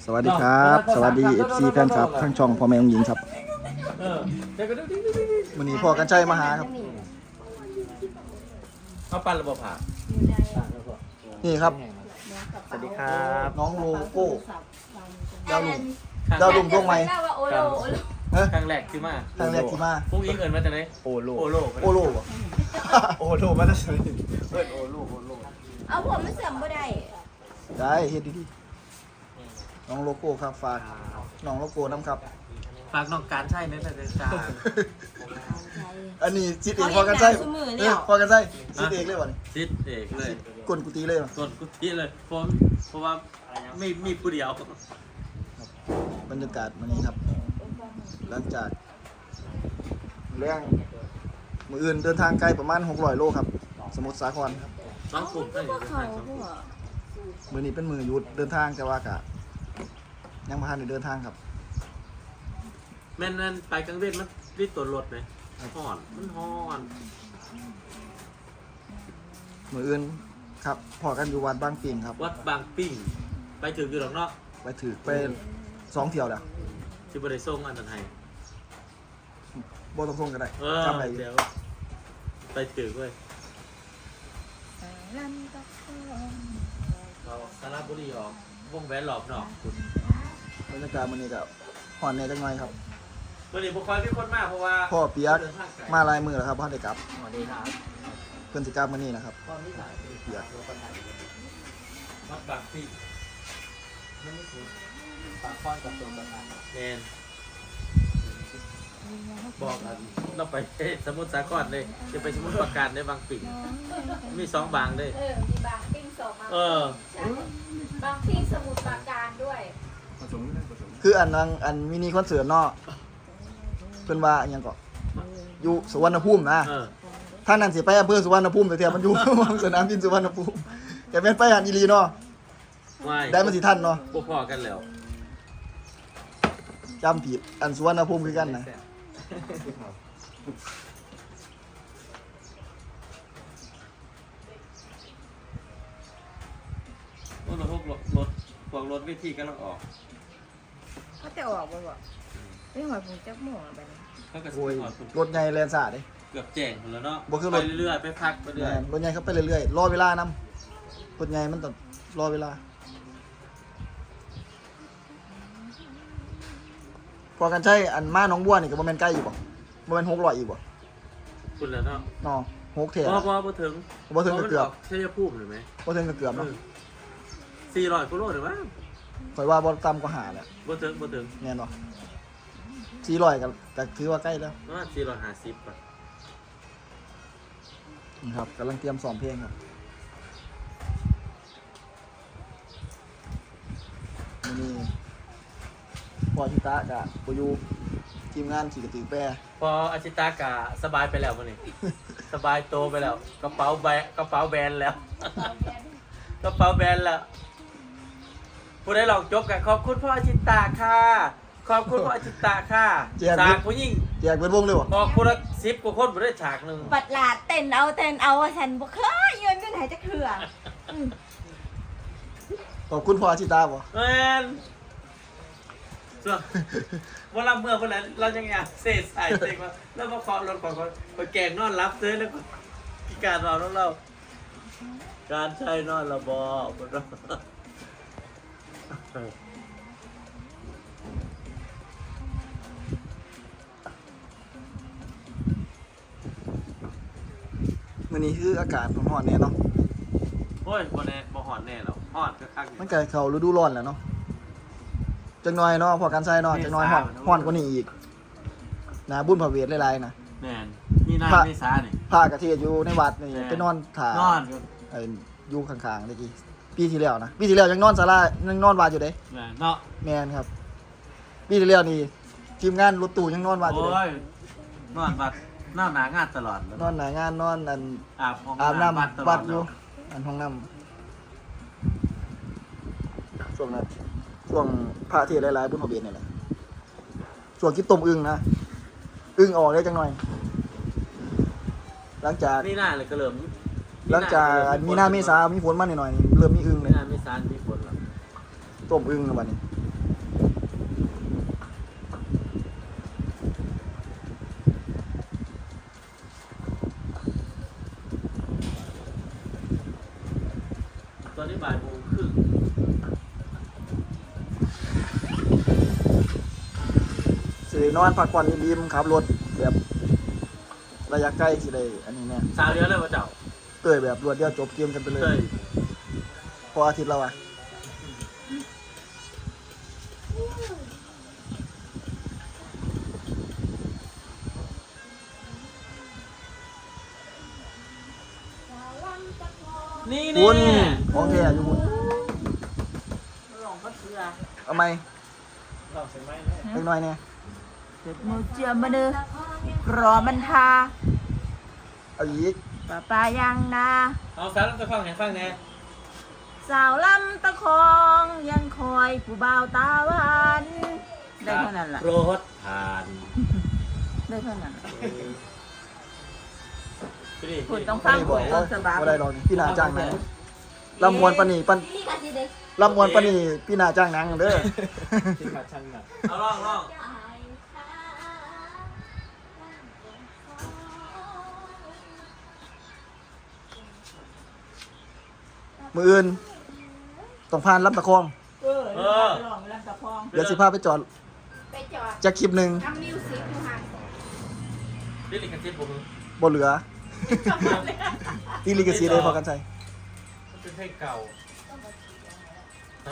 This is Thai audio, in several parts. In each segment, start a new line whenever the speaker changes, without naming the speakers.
วัสดีครับสวัสดี FC แฟนครับทั้งช่องพ่อแม่องหญิงครับวันนี้พ่อกันชัยมาหาครับ
เอาปั้นระบบผ่า
นี่ครับ
สวัสดีครับ
น้องโลโก้ดาวลุ่มดวงใหม่
ครั้งแรกที่มา
ทางแรกที่มา
พวกอิงเอิญมาจากไหน
โอโล
โอโล
โอโลบ่
โอโลมาจากไหนเอิ้นโอโล
เอาผมไม่เสื่อมบ่ได้
ได้เฮ็ดดีๆน้องโลโก้ครับฝากน้องโลโก้น้ำครับ
ฝากน้องการใช่ไหมแต่จ้า
อันนี้จิตเอกพ่อกันชัยพ่อกันชัยจิตเอกเลยบ่นี่
ซิดเอกเลย
กลกุฏิเลยบ่
ส่วนกุฏิเลยเพราะว่าไม่มีผู้เดียว
บรรยากาศวันนี้ครับหลังจากเรื่องมืออื่นเดินทางไกลประมาณ600โลครับสมุทรสาครครับ
บางกลุ่มก็อยู่ใน
เขา
ทางสอง
พวก
มื้อนี้เป็นมือหยุดเดินทางแต่ว่ากะยังบ่ทันได้เดินทางครับ
แม่นไปกลางเวทมันรีดตัวรถไหมห่อนมันห่อน
มืออื่นครับพอกันอยู่วัดบางปิงครับ
วัดบางปิ้งไปถึงอยู่หรอกเนาะ
ไปถือไป2 เที่ยวแล้ว
ที่บริษัทอันนั้นให้
บ่ต้องส่งก็ได้
เออ
จำได้อยู่
เดี๋ยวไปถึงเว้ยเราสระบุรีออกวงแหวนหลอบเนาะ
บรรยากาศมื้อนี้ก็ฮ้อนแหน่จังหน่อยครับ
วันนี้บุคคลที่คนมากเพราะว่า
พ่อเปียกมาหลายมื้อแล้วครับบ่ทันได้กลับ
สวัสดีครับ
เพิ่นสิกลับมื้อนี้นะครับ
ตอนนี้ถ่าย
เปียก
วัดบางปิ้ง
ปากค้อนกับตัวประธาน
แมนบอกกันเราไปสมุทรสาครเลยจะไปสมุทรปราการในบางปิ่งมี2 บางเลย
มีบางปิ้งสองมา
เออ
บางปิ้งสมุทรปราการด้วย
ผสมกันผสม
คืออันมินิคอนเสิร์ตเนาะเพิ่นว่าอิหยังก็อยู่สุวรรณภูมินะ
เออ
ท่านนั่นสิไปอำเภอสุวรรณภูมิแต่เทียมันอยู่ สนามบินสุวรรณภูมิแกเป็นไปหันอีหลีเนาะ
ไม่
ได้มันสิทันเนาะ
พวกพ่อกันแล้ว
จำผิดอันสุวรรณภูมิคือกันนะ
พวกรถวิธีกำลังออก
เขาจะออกบ่บ่ไม่หอยผมจักหม่องไปนี่
เขาก็
โอ้ย
ออก
รถใหญ่แลนซ่าเด้
เกือบแจ้งหมดแล้วเนาะ
บ่คือร
ไป
ถ
เรื่อยๆไปพักไปเรื่อย
แม่นรถใหญ่เขาไปเรื่อยๆรอเวลานำรถใหญ่มันต้องรอเวลาพอกันใช้อันมาหนองบัวนี่ก็บ่แม่นใกล้อยู่บ่บ่แม่น600อีกบ่
คุณแล้วเนาะ
เนาะ6เท่า
บ่ถึง
บ่ถึงก็เกือบ
ใช่จะพูดหรือไหม
บ่ถึงก็เกือบเนาะ
400กิโลหรือว่า
ข่อยว่าบ่ต่ำกว่า5แล้ว
บ่ถึง
แม่นบ่400ก็ถือว่าใกล้แล้ว
ประมาณ450ป่ะ
นี่ครับกำลังเตรียมซ้อมเพลงครับมื้อนี้พอชิตะกะบ่อยู่ทีมงานขี่กระตือแปร
พออาชิตากะสบายไปแล้วมื้อนี้ สบายโตไปแล้วกระเป๋าแบนแล้ว กระเป๋าแบนแล้วผู้ได้ลองจบกันขอบคุณพ่ออาชิตาค่ะขอบคุณพ่ออาชิตาค่ะฉากผู้หญิง
แจกเป็นวงเลยบ่
ออกคนละ10 กว่าคนบ่ได้ฉากหนึง
ปัดหลาดเต้นเอาฉันบ่เคยยืนกันไหนจะเถื่อ
ขอบคุณพ่อชิตาบ่
แม่นส่วนว่าเราเมื่อวันนั้นเรายังอยากเสษใส่เต็งว่าแล้วมาเคาะรถของคนแกงนอนรับซื้อแล้วก็พิการนอนของเรา การใช้นอนระบอบนเรา
มื้อนี้คืออากาศร้อนๆแน่เนาะ
โอ้ยบ่แน่บ่หอดแน่หรอกหอดก็คักอยู่
มันก็เข้าฤดูร้อนแล้วเนาะจังน้อยเนาะพอกันใช้เนาะจังน้อยร้อนกว่านี้อีกนะบุญพระเวทหลายๆนะ
แม่นมีนาเมษานี่
พระกระเทศอยู่ในวัดนี่ไปนอนถ่าน
อน
อยู่ข้างๆเมื่อกี้ปีที่แล้วนะปีที่แล้วยังนอนศาลายังนอนวัดอยู่เด้
แม่นเนาะ
แม่นครับปีที่แล้วนี่ทีมงานรถตู้ยังนอนวัดอยู่
โอ้
เด้
ยนอนวัดนอนหนางานตลอดแล้ว
นอนหน้างานนอนอัน
อาบห้อง
อาบน้
วัดตล
ำวั
อ
ด
ด
อ
แล้
ยู่
ว
อันห้องน้ำช่วงนั้นช่วงพระเทศหลายๆบุญพระเวทนี่แหละช่วงกินต้มอึ่งนะอึ่งออกได้จังหน่อย หลังจาก
นี่หน้าเลยก็เริ่ม
หลังจากมีนาเมษามีฝนมาหน่อยๆนี่เริ่มมีอึ่งเล
มี
ย
นาเมษามีฝนแล้ว
ต้มอึ่งแล้วบัดนี้นอนพักผ่อนริมๆขับรถแบบระยะใกล้สิได้อันนี้เนี่ย
สาวเดียวเลยว่าเจ้า
เตยแบบรวดเดียวจบเกมกันไปเล
เต้
ย
ย
พออาทิตย์แล้วอ่ะ
นี่
คุ
นี่
ณของแท้อยู่คุณ
ลองก็เสือ
เอาไหม
ลองใส่ไหม
เล็กน้อยเนี่ย
เด็กมือเจียมมาเด้อรอมันทา
เอาอีก
ป้ายังนา
เอาสาวลำตะคองให้ฟังแน่
สาวลำตะคองยังคอยผู้บ่าวตาหวานได้เท่านั้นล่ะ
รถผ่าน
ได้เท่านั้นล่ะ
ไปดิ
คุณต้อง
ไม่
ฟัง
ได้บ
คุ
อก
ณต้
ว่า
องสบาย
บ่ได้หรอกนี่พี่นาจ้างหนังลำมวนปานนีปันลำมวนปานนีพี่นาจ้างหนังเด้อ
ที่ขาช่างหนัก
เอาลองลอง
มืออื่นต้องผ่านลำตะคอง
ลองลำตะคอง
เดี๋ยวสิพาไปจอด
ไปจอด
จะคลิปหนึ่ง
ทำมิวสิกอยู่ห่าง
ดิลิกันซิปผม
บ่เหลือที่ลิกซีเลยพอกันใช้
มันเป็นเพลงเก่าฮะ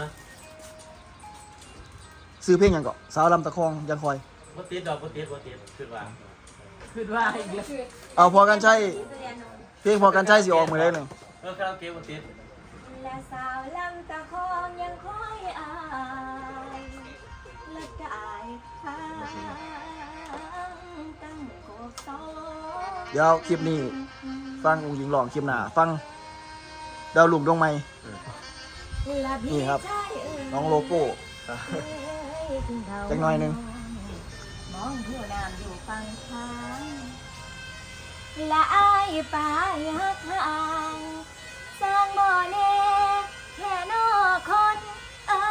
ซื้อเพลงหยังเกาะสาวลำตะคองยังคอย
บ่ติดดอกบ่ติดขึ้นว่า
คือว่าอีกแล้ว
เอาพอกันใช้เพลงพอกันใช้สิออกมือได้หนึ่ง
คาราโอเกะบ่ติด
และสาวลำตะคองยังคอยอายและกายทางตั้งกบสอง
เดี๋ยวคลิปนี้ฟังองค์หญิงหลองคลิปหน้าฟังดาวหลุมดวงไม้
และพี่
นี่ครับ
ชายเอ่ย
น้องโลโก้ จักหน่อยหนึ่ง
มองผู้น้ำอยู่ฝั่งทางและอายป่ายักห่างสร้างบ่อแน่แค่นอคน
เออ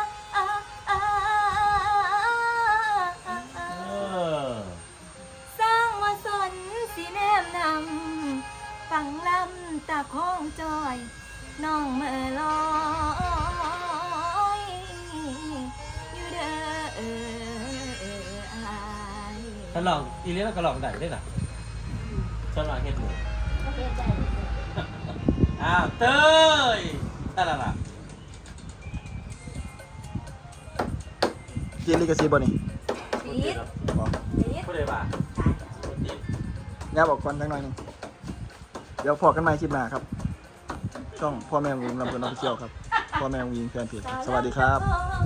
สร้างว่าสนสีแนมนำฟังลำตาคองจอย น้องเมื่อลอยอยู่เด้ออาย
ถ้าลองอีเลียก็ลองได้ได้ล่ะฉันว่าเฮ็ดหมู
เฮ็ดได้
อ้าวเต้ยนั่นล่ะ
ที่ลิกซีบ่นี่
บ่ติดหรอก
บอก
บ่ได้ว่าบ่ติด
แง่บอกก่อนจักหน่อยหนึงเดี๋ยวพอกันใหม่คลิปหน้าครับ ช่องพ่อแม่วงลำเพลินออฟฟิเชียลครับ พ่อแม่วงยิงแฟนเพจครับสวัสดีครับ